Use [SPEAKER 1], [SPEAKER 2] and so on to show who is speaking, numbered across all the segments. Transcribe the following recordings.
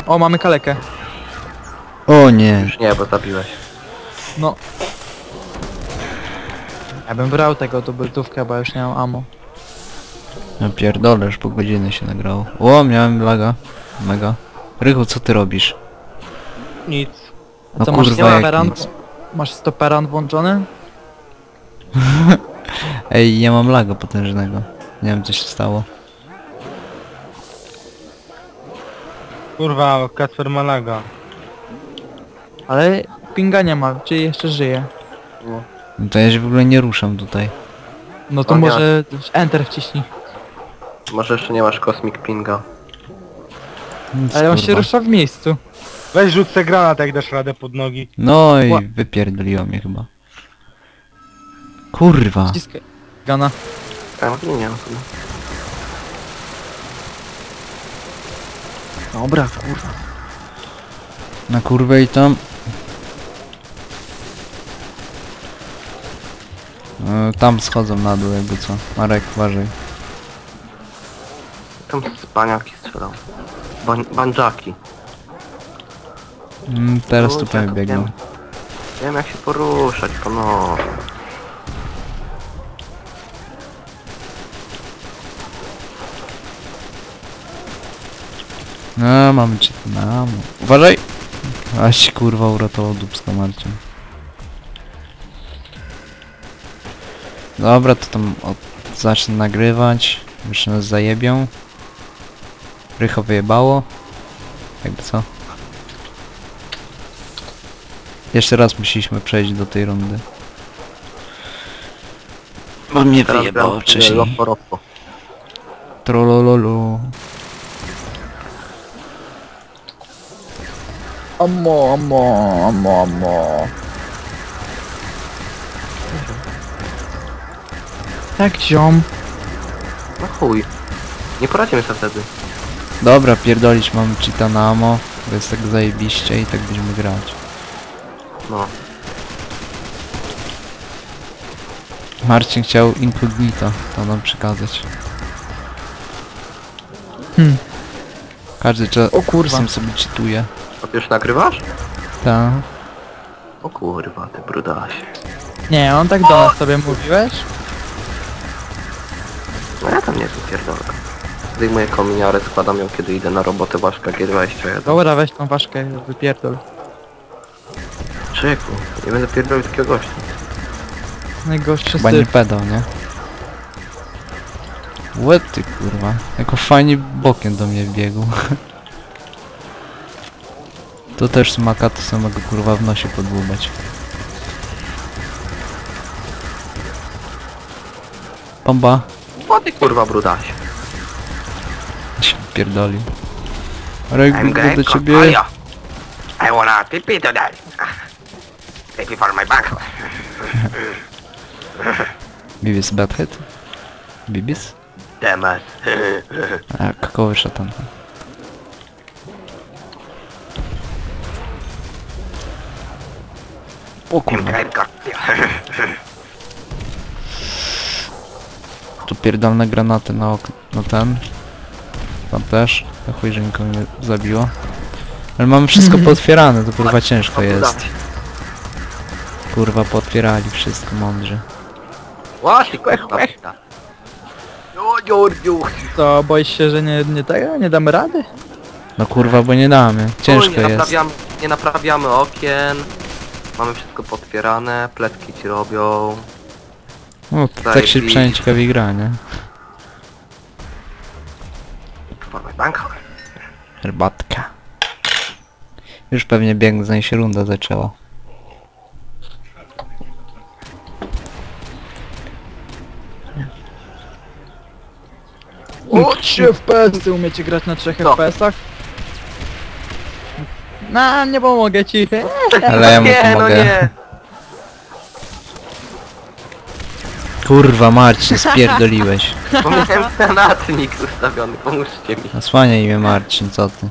[SPEAKER 1] O, mamy kalekę.
[SPEAKER 2] O nie.
[SPEAKER 3] Już nie, bo zabiłeś.
[SPEAKER 1] No. Ja bym brał tego dubeltówkę, bo już nie mam ammo.
[SPEAKER 2] No pierdolę, już po godziny się nagrało. O, miałem laga. Mega. Rychu, co ty robisz?
[SPEAKER 1] Nic.
[SPEAKER 2] No
[SPEAKER 1] Co, masz
[SPEAKER 2] kurwa, jak
[SPEAKER 1] stoperan?
[SPEAKER 2] nic.
[SPEAKER 1] Masz stoperan włączony?
[SPEAKER 2] Ej, ja mam laga potężnego. Nie wiem, co się stało.
[SPEAKER 4] Kurwa, Kacper Malaga.
[SPEAKER 1] Ale pinga nie ma, czyli jeszcze żyje.
[SPEAKER 2] No to ja się w ogóle nie ruszam tutaj.
[SPEAKER 1] No to
[SPEAKER 3] O,
[SPEAKER 1] może Enter wciśnij.
[SPEAKER 3] Może jeszcze nie masz Cosmic Pinga.
[SPEAKER 2] Nic,
[SPEAKER 1] Ale on się
[SPEAKER 2] kurwa.
[SPEAKER 1] rusza w miejscu.
[SPEAKER 4] Weź rzuć se granat, jak dasz radę pod nogi.
[SPEAKER 2] No i wypierdoliło mnie chyba. Kurwa.
[SPEAKER 1] Wciskaj. Gana.
[SPEAKER 3] Tak, nie wiem.
[SPEAKER 1] Dobra, kurwa.
[SPEAKER 2] Na kurwę i tam. Tam schodzą na dół jakby co. Marek, uważaj.
[SPEAKER 3] Tam spaniaki strzelał. Banjaki.
[SPEAKER 2] Teraz
[SPEAKER 3] No,
[SPEAKER 2] tu pewnie
[SPEAKER 3] tak,
[SPEAKER 2] biegną.
[SPEAKER 3] wiem. Wiem jak się poruszać, no.
[SPEAKER 2] No, mamy cię tu na... Uważaj! Aś ci kurwa uratował dupsko, Marcin. Dobra, to tam zacznę nagrywać. Jeszcze nas zajebią. Rycho wyjebało. Jakby co? Jeszcze raz musieliśmy przejść do tej rundy. Bo mnie
[SPEAKER 3] Teraz
[SPEAKER 2] wyjebało
[SPEAKER 3] gram
[SPEAKER 2] wcześniej.
[SPEAKER 3] Lopo.
[SPEAKER 2] Trolololu.
[SPEAKER 1] Ammo. Tak, ziom.
[SPEAKER 3] No chuj. Nie poradzimy sobie wtedy.
[SPEAKER 2] Dobra, pierdolić, mamy cheata na ammo. To jest tak zajebiście i tak będziemy grać.
[SPEAKER 3] No.
[SPEAKER 2] Marcin chciał incognito to nam przekazać. Każdy
[SPEAKER 1] O kurwa.
[SPEAKER 2] sam sobie cheatuje.
[SPEAKER 3] A ty już nagrywasz?
[SPEAKER 2] Ta.
[SPEAKER 3] O kurwa, ty brudasie.
[SPEAKER 1] Nie, on tak do nas sobie mówiłeś?
[SPEAKER 3] No ja tam nie wypierdolę. Zdejmuję kominiarę, składam ją kiedy idę na robotę Baszka G21.
[SPEAKER 1] Dobra, weź tą ważkę, wypierdol.
[SPEAKER 3] Czeku, nie będę pierdolił takiego gościa.
[SPEAKER 1] Najgorszy
[SPEAKER 2] Chyba nie
[SPEAKER 1] styl.
[SPEAKER 2] pedał, nie? Łeb ty kurwa. Jako fajnie bokiem do mnie biegł. To też smaka, to samego kurwa w nosie podłubać. Bomba.
[SPEAKER 3] O ty kurwa brudasie.
[SPEAKER 2] Się pierdolił. Reg, do ciebie.
[SPEAKER 3] I wanna pee today. Pee for my back.
[SPEAKER 2] Bibis Badhead? Bibis?
[SPEAKER 3] Temat.
[SPEAKER 2] A, kakowy szatan. O kurwa. Tu pierdolne granaty na okno, no ten. Tam też. Na chuj, że nikogo nie zabiło. Ale mamy wszystko pootwierane, to kurwa ciężko jest. Kurwa, pootwierali wszystko mądrze.
[SPEAKER 3] Właśnie, kurwa.
[SPEAKER 1] To boisz się, że nie damy rady?
[SPEAKER 2] No kurwa, bo nie damy. Ciężko jest.
[SPEAKER 3] Nie naprawiamy okien. Mamy wszystko potwierane, pletki ci robią.
[SPEAKER 2] No, tak się przynajmniej ciekawie gra, nie? Herbatka. Już pewnie biegnę, zanim się runda zaczęła.
[SPEAKER 1] O, 3 FPS-y, umiecie grać na 3
[SPEAKER 3] No.
[SPEAKER 1] FPS-ach? No, nie pomogę ci.
[SPEAKER 2] Ale ja mu
[SPEAKER 3] Nie, no
[SPEAKER 2] pomogę.
[SPEAKER 3] nie.
[SPEAKER 2] Kurwa Marcin, spierdoliłeś.
[SPEAKER 3] Bo miałem granatnik ustawiony, pomóżcie mi.
[SPEAKER 2] Osłaniaj imię Marcin, co ty?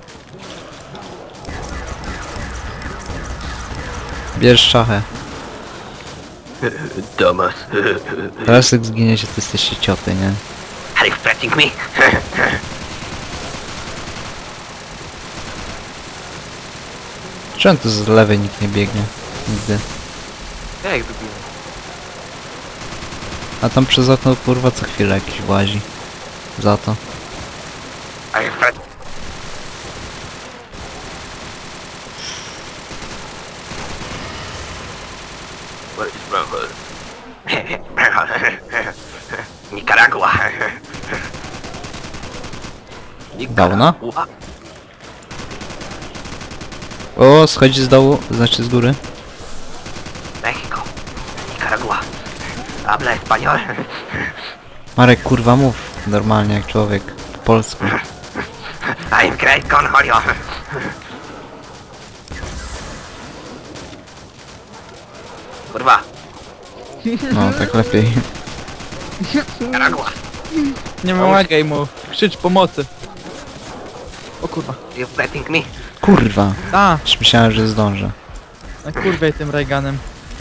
[SPEAKER 2] Bierz szachę.
[SPEAKER 3] Thomas.
[SPEAKER 2] Teraz jak zginiecie, to jesteście cioty, nie?
[SPEAKER 3] Are you threatening me?
[SPEAKER 2] Czemu tu z lewej nikt nie biegnie? Nigdy.
[SPEAKER 3] Ja ich wybiję.
[SPEAKER 2] A tam przez okno kurwa co chwilę jakiś łazi. Za to.
[SPEAKER 3] Ej, Fred. Where is Bramble? Nicaragua.
[SPEAKER 2] Dawna? O, schodzi z dołu, znaczy z góry.
[SPEAKER 3] Mexico. Nicaragua. Habla español.
[SPEAKER 2] Marek, kurwa mów normalnie jak człowiek. Po polsku.
[SPEAKER 3] I'm great con Julio. Kurwa.
[SPEAKER 2] No, tak lepiej.
[SPEAKER 3] Nicaragua.
[SPEAKER 1] Nie pomagaj mu. Krzycz pomocy. O kurwa.
[SPEAKER 3] You betting me?
[SPEAKER 2] Kurwa.
[SPEAKER 1] A,
[SPEAKER 2] Już myślałem, że zdążę.
[SPEAKER 1] na kurwej tym Reaganem.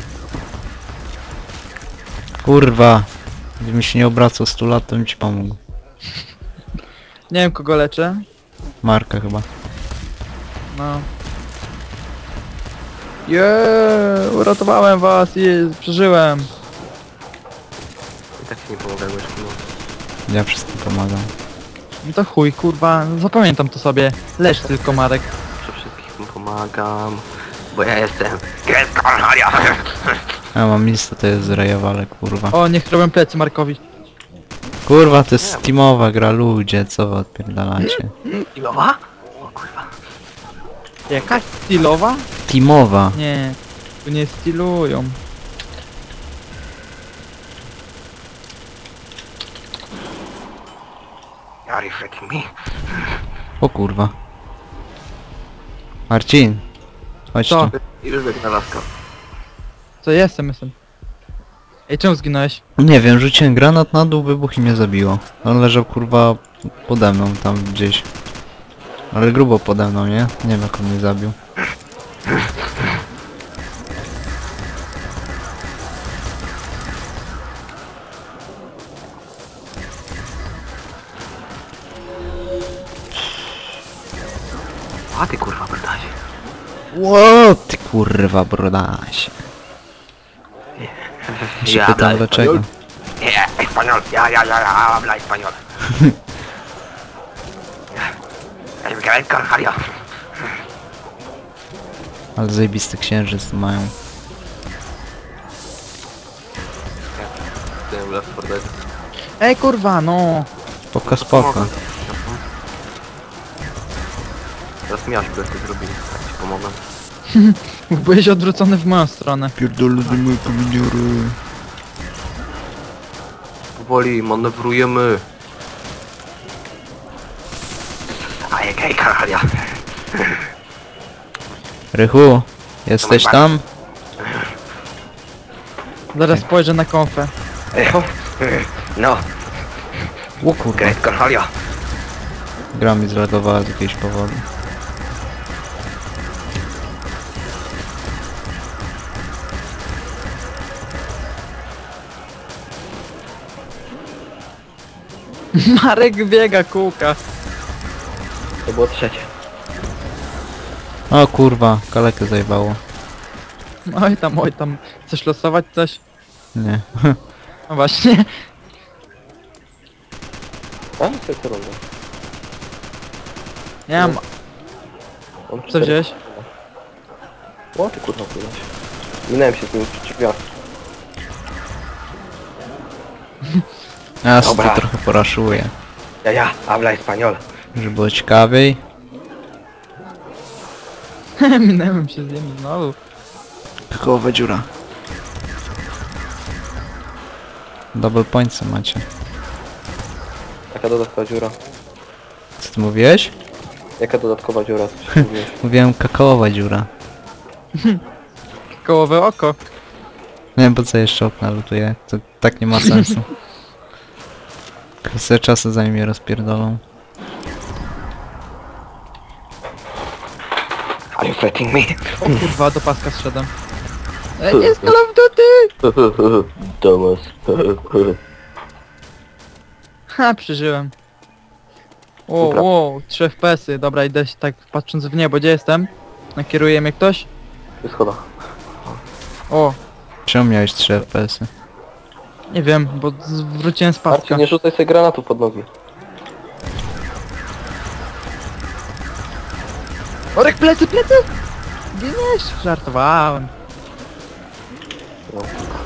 [SPEAKER 2] Kurwa. Gdybym się nie obracał 100 lat, to bym ci pomógł.
[SPEAKER 1] Nie wiem kogo leczę.
[SPEAKER 2] Marka chyba.
[SPEAKER 1] No. Uratowałem was i przeżyłem.
[SPEAKER 3] I tak ci nie pomogę, już
[SPEAKER 2] Ja wszystkim pomagam.
[SPEAKER 1] No to chuj, kurwa, zapamiętam to sobie. Lecz tylko Marek.
[SPEAKER 3] przy wszystkich mu pomagam. Bo ja jestem great con Julio.
[SPEAKER 2] Ja mam listę, to jest rejowale, kurwa.
[SPEAKER 1] O, niech robią plecy Markowi.
[SPEAKER 2] Kurwa, to jest teamowa gra, ludzie, co wy odpierdalacie?
[SPEAKER 3] Ilowa? O kurwa.
[SPEAKER 1] Jakaś stylowa?
[SPEAKER 2] Teamowa.
[SPEAKER 1] Nie, tu nie stylują.
[SPEAKER 3] Are you freaking me?
[SPEAKER 2] O kurwa. Marcin. Chodź
[SPEAKER 1] Co?
[SPEAKER 2] tu.
[SPEAKER 3] Już biegnę laska.
[SPEAKER 1] Co jestem. Ej, czemu zginąłeś?
[SPEAKER 2] Nie wiem, rzuciłem granat na dół, wybuch i mnie zabiło. On leżał kurwa pode mną tam gdzieś. Ale grubo pode mną, nie? Nie wiem jak on mnie zabił.
[SPEAKER 3] A ty kurwa brdasie.
[SPEAKER 2] Ło, ty kurwa brodasie. Się
[SPEAKER 3] Ja
[SPEAKER 2] pytam
[SPEAKER 3] habla
[SPEAKER 2] dlaczego.
[SPEAKER 3] español. Yeah, español. Ya, habla español. I'm great con Julio.
[SPEAKER 2] Ale zajebisty księżyc mają.
[SPEAKER 3] Tym Left 4 Dead.
[SPEAKER 1] Ej, kurwa, no.
[SPEAKER 2] Spoko, spoko.
[SPEAKER 3] Teraz miasz by to zrobili, tak ci pomogę.
[SPEAKER 1] Byłeś odwrócony w moją stronę.
[SPEAKER 2] Pierdolę do moje pomidiory.
[SPEAKER 3] Powoli manewrujemy. A jak hej con Julio.
[SPEAKER 2] Rychu, jesteś tam?
[SPEAKER 1] Zaraz spojrzę na konfę.
[SPEAKER 3] No,
[SPEAKER 2] O kurwa.
[SPEAKER 3] great con Julio.
[SPEAKER 2] Gra mi zlagowała z jakiegoś powodu.
[SPEAKER 1] Marek biega, kółka.
[SPEAKER 3] To było trzecie.
[SPEAKER 2] O kurwa, kalekę zajebało.
[SPEAKER 1] Oj tam. Chcesz losować coś?
[SPEAKER 2] Nie.
[SPEAKER 1] No właśnie.
[SPEAKER 3] A? Co rundę?
[SPEAKER 1] Nie mam. Co wziąłeś?
[SPEAKER 3] O ty kurwa płynąć. Minąłem się z nim przy drzwiach.
[SPEAKER 2] Ja sobie
[SPEAKER 3] Dobra.
[SPEAKER 2] to trochę poraszuję.
[SPEAKER 3] Ja, habla español.
[SPEAKER 2] Żeby było ciekawiej.
[SPEAKER 1] Minęłem się z nim znowu.
[SPEAKER 2] Kołowa dziura. Double points macie.
[SPEAKER 3] Jaka dodatkowa dziura?
[SPEAKER 2] Co ty mówiłeś?
[SPEAKER 3] Jaka dodatkowa dziura? Co mówiłeś?
[SPEAKER 2] Mówiłem kakaowa dziura.
[SPEAKER 1] Kołowe oko.
[SPEAKER 2] Nie wiem po co jeszcze okna lutuje. To tak nie ma sensu. Kwestia czasu zanim je rozpierdolą.
[SPEAKER 3] Are you fighting me?
[SPEAKER 1] O kurwa, do paska zszedłem. Ej, nie z Call of Duty!
[SPEAKER 3] Thomas.
[SPEAKER 1] Ha, przeżyłem.
[SPEAKER 3] Dobra.
[SPEAKER 1] O, 3 FPS-y. Dobra, idę się tak patrząc w niebo, gdzie jestem? Nakieruje mnie ktoś?
[SPEAKER 3] Jest schoda.
[SPEAKER 1] O,
[SPEAKER 2] Czemu miałeś 3 FPS-y?
[SPEAKER 1] nie wiem, bo wróciłem z paska.
[SPEAKER 3] Marcin, nie rzucaj sobie granatu pod nogi.
[SPEAKER 1] Orek, plecy, plecy! Giniesz? Żartowałem.
[SPEAKER 3] No.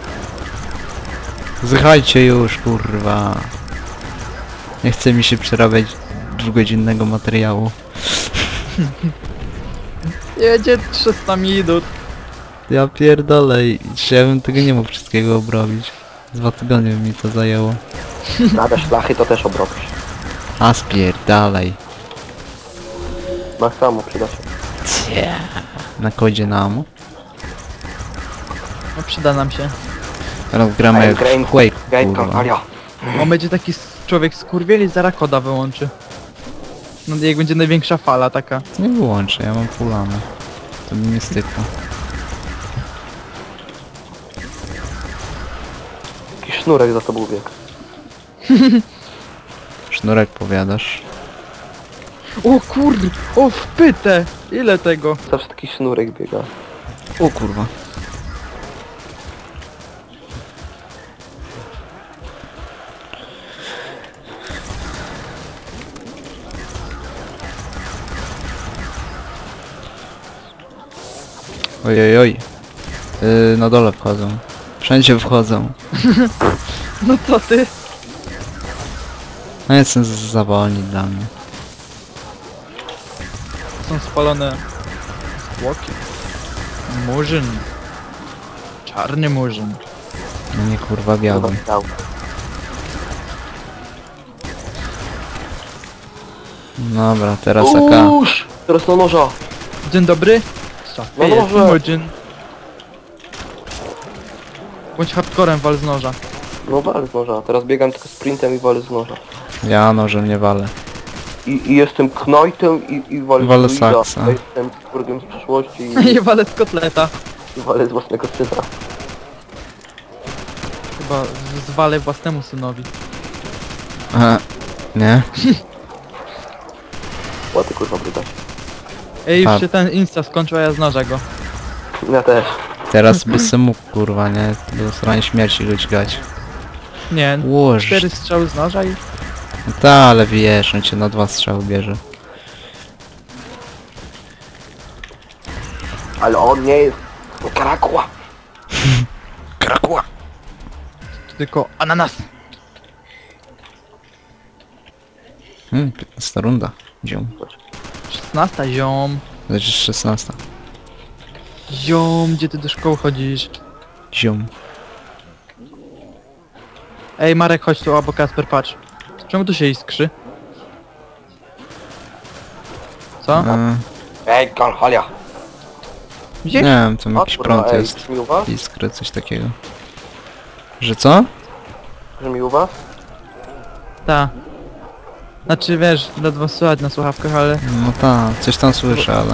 [SPEAKER 2] Zjechajcie już, kurwa. Nie chce mi się przerabiać 2-godzinnego materiału.
[SPEAKER 1] Jedzie 300 minut.
[SPEAKER 2] Ja pierdolę, ja bym tego nie mógł wszystkiego obrobić. 2 tygodnie by mi to zajęło.
[SPEAKER 3] Nada szlachy to też obrobisz.
[SPEAKER 2] A spierdalaj.
[SPEAKER 3] Max samo przyda się.
[SPEAKER 2] Na kodzie na
[SPEAKER 1] No przyda nam się.
[SPEAKER 2] Teraz gramy jak
[SPEAKER 3] Grain,
[SPEAKER 2] w Quake,
[SPEAKER 3] Grain
[SPEAKER 2] kurwa.
[SPEAKER 3] Carvalho.
[SPEAKER 1] On będzie taki człowiek skurwiel i zaraz koda wyłączy. No jak będzie największa fala taka.
[SPEAKER 2] Nie wyłączę, ja mam pulane. To mi nie stykło.
[SPEAKER 3] Jakiś sznurek za tobą biegł.
[SPEAKER 2] Sznurek powiadasz.
[SPEAKER 1] O kurde, o wpytę! Ile tego?
[SPEAKER 3] Zawsze taki sznurek biega.
[SPEAKER 2] O kurwa. Ojojoj. Na dole wchodzą. Wszędzie wchodzą.
[SPEAKER 1] No co ty?
[SPEAKER 2] No jestem za wolni dla mnie.
[SPEAKER 1] Są spalone zwłoki. Murzyn. Czarny murzyn.
[SPEAKER 2] No nie kurwa biały.
[SPEAKER 3] Dał.
[SPEAKER 2] Dobra, teraz AK.
[SPEAKER 3] Uż! Teraz na noża.
[SPEAKER 1] Dzień dobry.
[SPEAKER 3] No
[SPEAKER 1] Jest
[SPEAKER 3] może.
[SPEAKER 1] murzyn. Bądź hardcorem wal z noża.
[SPEAKER 3] No walę z noża. Teraz biegam tylko sprintem i walę z noża.
[SPEAKER 2] Ja nożem nie walę.
[SPEAKER 3] I jestem knojtem i walę
[SPEAKER 2] Walę
[SPEAKER 3] z druida.
[SPEAKER 2] saksa.
[SPEAKER 3] Ja jestem kurgiem z przeszłości
[SPEAKER 1] I walę z kotleta.
[SPEAKER 3] i walę z własnego syna.
[SPEAKER 1] Chyba zwalę własnemu synowi.
[SPEAKER 2] Aha. Nie?
[SPEAKER 3] Łaty kurwa brydać.
[SPEAKER 1] Ej, już
[SPEAKER 2] A.
[SPEAKER 1] się ten insta skończył, a ja z noża go.
[SPEAKER 3] Ja też.
[SPEAKER 2] Teraz by se mógł kurwa, nie? Do strony śmierci go dźgać.
[SPEAKER 1] Nie,
[SPEAKER 2] Łoż.
[SPEAKER 1] 4 strzały z noża i...
[SPEAKER 2] No ta, ale wiesz, on cię na 2 strzały bierze.
[SPEAKER 3] Ale on nie jest Karakła.
[SPEAKER 2] Krakła!
[SPEAKER 1] To tylko ananas.
[SPEAKER 2] 15 runda. Ziom.
[SPEAKER 1] 16, ziom.
[SPEAKER 2] Znaczy 16.
[SPEAKER 1] Ziom, gdzie ty do szkoły chodzisz?
[SPEAKER 2] Ziom.
[SPEAKER 1] Ej, Marek, chodź tu, albo Kasper, patrz. Czemu tu się iskrzy? Co?
[SPEAKER 3] Ej, Carvalho.
[SPEAKER 1] Gdzie?
[SPEAKER 2] Nie wiem, tam jakiś
[SPEAKER 3] kurwa,
[SPEAKER 2] prąd
[SPEAKER 3] ej,
[SPEAKER 2] jest.
[SPEAKER 3] Że mi u was?
[SPEAKER 2] Iskry, coś takiego. Że co?
[SPEAKER 3] Że mi u was?
[SPEAKER 1] Ta. Znaczy, wiesz, ledwo słychać na słuchawkach, ale...
[SPEAKER 2] No ta, coś tam słyszę, ale...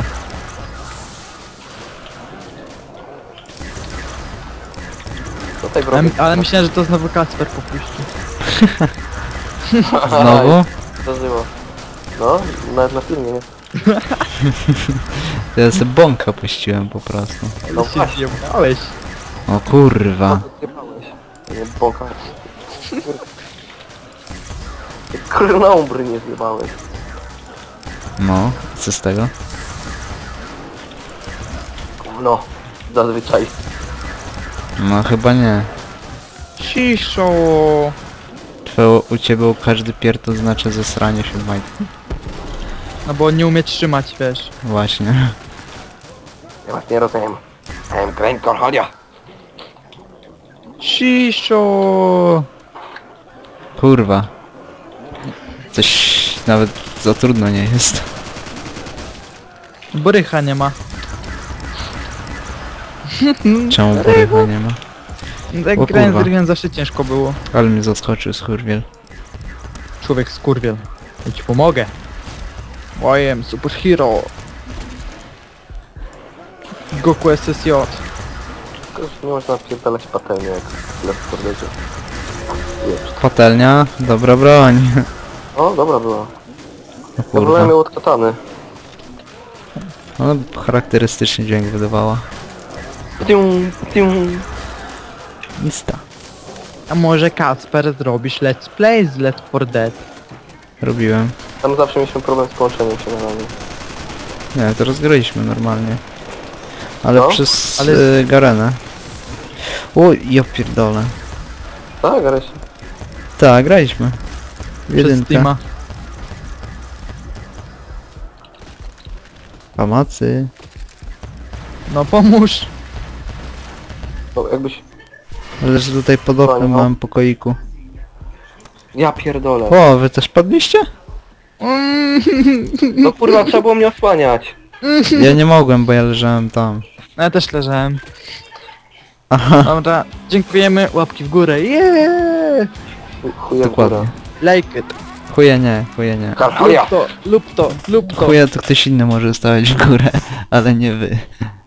[SPEAKER 3] Tutaj w
[SPEAKER 1] Ale,
[SPEAKER 3] rogu.
[SPEAKER 1] ale myślałem, że to znowu Kasper popuści.
[SPEAKER 2] Znowu?
[SPEAKER 3] Zdarzyło. No, nawet na filmie, nie?
[SPEAKER 2] Ja sobie bąka puściłem po prostu.
[SPEAKER 3] No
[SPEAKER 1] Ale się
[SPEAKER 3] właśnie.
[SPEAKER 1] zjebałeś.
[SPEAKER 2] O kurwa.
[SPEAKER 3] Zjebałeś. Nie bąka. Krnąbry nie zjebałeś.
[SPEAKER 2] No, co z tego?
[SPEAKER 3] No, zazwyczaj.
[SPEAKER 2] No chyba nie.
[SPEAKER 1] Ciszo.
[SPEAKER 2] U ciebie u każdy pier to znaczy zesranie się w majtki.
[SPEAKER 1] No bo on nie umie trzymać, wiesz.
[SPEAKER 2] Właśnie.
[SPEAKER 3] Ja was nie rozumiem. Grain Carvalho.
[SPEAKER 1] Ciszo.
[SPEAKER 2] Kurwa. Coś nawet za trudno nie jest.
[SPEAKER 1] Borycha nie ma.
[SPEAKER 2] Czemu borycha nie ma?
[SPEAKER 1] Jak
[SPEAKER 2] O
[SPEAKER 1] grałem z
[SPEAKER 2] kurwa.
[SPEAKER 1] Rygiem zawsze ciężko było.
[SPEAKER 2] Ale mnie zaskoczył skurwiel.
[SPEAKER 1] Człowiek skurwiel. Ja ci pomogę. I am superhero. Goku SSJ.
[SPEAKER 3] Tylko już nie można pierdalać patelnię jak w Fortnite. Jest.
[SPEAKER 2] Patelnia, dobra broń.
[SPEAKER 3] O, dobra była.
[SPEAKER 2] O
[SPEAKER 3] Ja wolałem
[SPEAKER 2] kurwa.
[SPEAKER 3] ją od katany.
[SPEAKER 2] Ona charakterystyczny dźwięk wydawała.
[SPEAKER 3] Tium, tium.
[SPEAKER 2] Mista.
[SPEAKER 1] A może Kasper zrobisz let's play z Left 4 Dead?
[SPEAKER 2] Robiłem.
[SPEAKER 3] Tam zawsze mieliśmy problem z połączeniem się na nami.
[SPEAKER 2] Nie, to rozgraliśmy normalnie. Ale
[SPEAKER 3] No,
[SPEAKER 2] przez
[SPEAKER 1] ale-
[SPEAKER 2] Garenę. O, ja pierdolę.
[SPEAKER 3] Tak, ale się...
[SPEAKER 2] Tak, graliśmy.
[SPEAKER 1] Przez
[SPEAKER 2] Jedynkę.
[SPEAKER 1] Steama.
[SPEAKER 2] Pomocy.
[SPEAKER 1] No pomóż.
[SPEAKER 3] No, jakbyś...
[SPEAKER 2] Ale że tutaj pod oknem
[SPEAKER 3] Fajno.
[SPEAKER 2] mam pokoiku.
[SPEAKER 3] Ja pierdolę.
[SPEAKER 2] O, wy też padliście?
[SPEAKER 3] No kurwa, trzeba było mnie osłaniać.
[SPEAKER 2] Ja nie mogłem, bo ja leżałem tam.
[SPEAKER 1] No ja też leżałem.
[SPEAKER 2] Aha,
[SPEAKER 1] Dobra, dziękujemy, łapki w górę. Yeah!
[SPEAKER 3] Chuje
[SPEAKER 2] dokładnie.
[SPEAKER 3] góra.
[SPEAKER 1] Like it.
[SPEAKER 2] Chuje nie, chuje nie.
[SPEAKER 3] Karchuja.
[SPEAKER 1] Lub to, lub to, lub to.
[SPEAKER 2] Chuje to ktoś inny może stawiać w górę, ale nie wy.